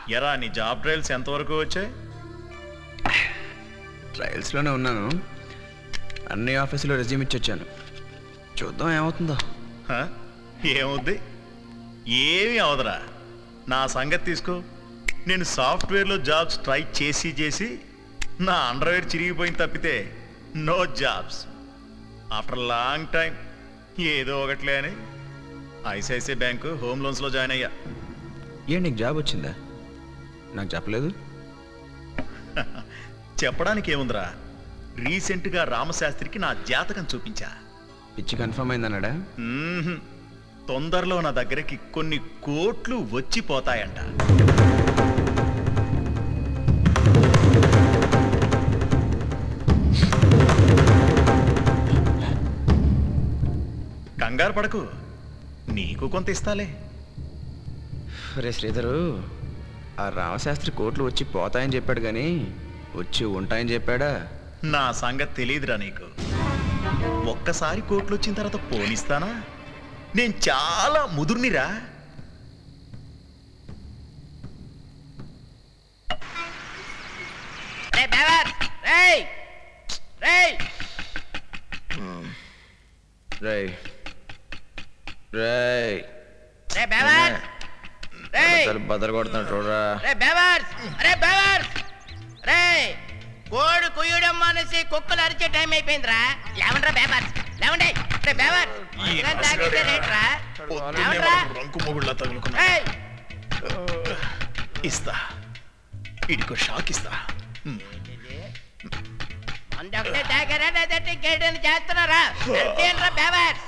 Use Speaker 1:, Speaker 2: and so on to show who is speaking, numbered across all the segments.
Speaker 1: ఎరా నీ job trials ఎంతవరకు వచ్చాయి?
Speaker 2: ట్రయల్స్లోనే ఉన్నాను. అన్ని ఆఫీసులో రెజ్యూమ్ ఇచ్చొచ్చాను. చూద్దాం ఏమవుతుందో.
Speaker 1: ఏమవుద్ది? ఏమీ అవదరా. నా సంగతి తీసుకో. నేను సాఫ్ట్వేర్లో జాబ్స్ ట్రై చేసి నా అండర్వేర్ చిరిగిపోయింది తప్పితే no jobs. After long time ఏదో ఒకట్లే అని ఐసిఐసిఐ బ్యాంకు హోమ్ లోన్స్లో జాయిన్ అయ్యా.
Speaker 2: నీకు జాబ్ వచ్చిందా? నాకు చెప్పలేదు.
Speaker 1: చెప్పడానికి ఏముందిరా, రీసెంట్గా రామశాస్త్రికి నా జాతకం చూపించా.
Speaker 2: పిచ్చి కన్ఫర్మ్ అయిందన్నాడా?
Speaker 1: తొందరలో నా దగ్గరికి కొన్ని కోట్లు వచ్చిపోతాయంట. కంగారు పడకు, నీకు కొంత ఇస్తాలే.
Speaker 2: రే శ్రీధరు, ఆ రామశాస్త్రి కోట్లు వచ్చి పోతాయని చెప్పాడు కానీ వచ్చి ఉంటాయని చెప్పాడా?
Speaker 1: నా సంగతి తెలియదురా నీకు. ఒక్కసారి కోట్లు వచ్చిన తర్వాత పోనిస్తానా? నేను చాలా ముదుర్నిరా.
Speaker 2: బదలు కొడుతున్నా చూడరా.
Speaker 3: కోడి కుయ్యడం మానేసి కుక్కలు అరిచే టైం అయిపోయిందిరా. లేవండ్రా బేబర్స్, లేవండి.
Speaker 1: ఇస్తా, ఇడికో షాక్ ఇస్తా.
Speaker 3: అందొకటే తాగారా లేదంటే ఇంకేదైనా చేస్తున్నారా? బేబర్స్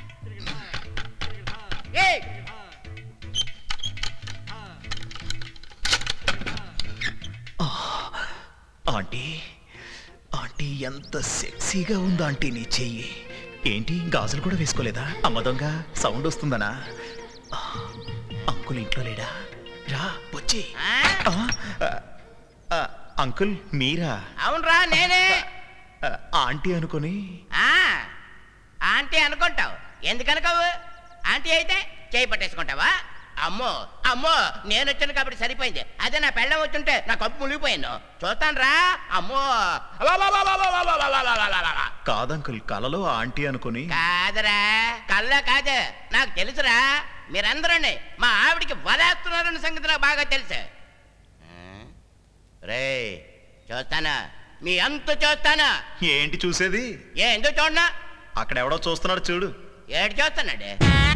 Speaker 1: ఆంటీ, ఆంటీ ఎంత సెక్సీగా ఉందో ఆంటీ నీ చెయ్యి. ఏంటి గాజులు కూడా వేసుకోలేదా? అమ్మ దొంగ సౌండ్ వస్తుందనా? అంకుల్ ఇంట్లో లేడా? రా వచ్చి. అంకుల్ మీరా?
Speaker 3: అవునరా నేనే.
Speaker 1: ఆంటీ అనుకొని.
Speaker 3: ఆంటీ అనుకుంటావు, ఎందుకనుకోవు? ఆంటీ అయితే చేయి పట్టేసుకుంటావా? అమ్మో అమ్మో, నేను వచ్చాను కాబట్టి సరిపోయింది. అదే నా పెళ్ళం వచ్చుంటే నా కప్పు మునిగిపోయాను. చూస్తాను రా. అమ్మో
Speaker 1: కాదంకుల్, కలలో ఆంటీ అనుకుని.
Speaker 3: కాదరా, కళ్ళ కాదు, నాకు తెలుసురా. మీరందరూ మా ఆవిడికి వలేస్తున్నారన్న సంగతి నాకు బాగా తెలుసు. రే చూస్తానా, మీ అంత చూస్తానా?
Speaker 1: ఏంటి చూసేది?
Speaker 3: ఎందుకు చూడనా?
Speaker 1: అక్కడ ఎవడో చూస్తున్నాడు చూడు.
Speaker 3: ఏడు చూస్తున్నాడు?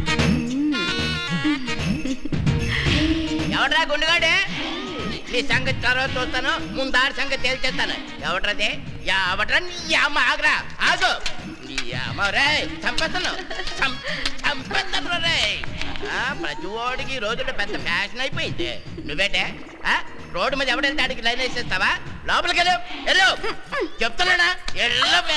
Speaker 3: ఎవడ్రా గుండుగాడే? నీ సంగతి తర్వాత చూస్తాను, ముందారి సంగతి తేల్చేస్తాను. ఎవడ్రది? ఎవడ్రా? నీ అమ్మ ఆగరా, ఆగు. నీ అమ్మ రే చంపేస్తాను, చంపేస్తాను రే. ప్రతి ఓడికి ఈ రోజుల్లో పెద్ద ఫ్యాషన్ అయిపోయింది. నువ్వేటే రోడ్డు మీద ఎవడెళ్తే ఆడికి లైన్ వేసేస్తావా? లోపలికి వెళ్ళు, చెప్తున్నానా?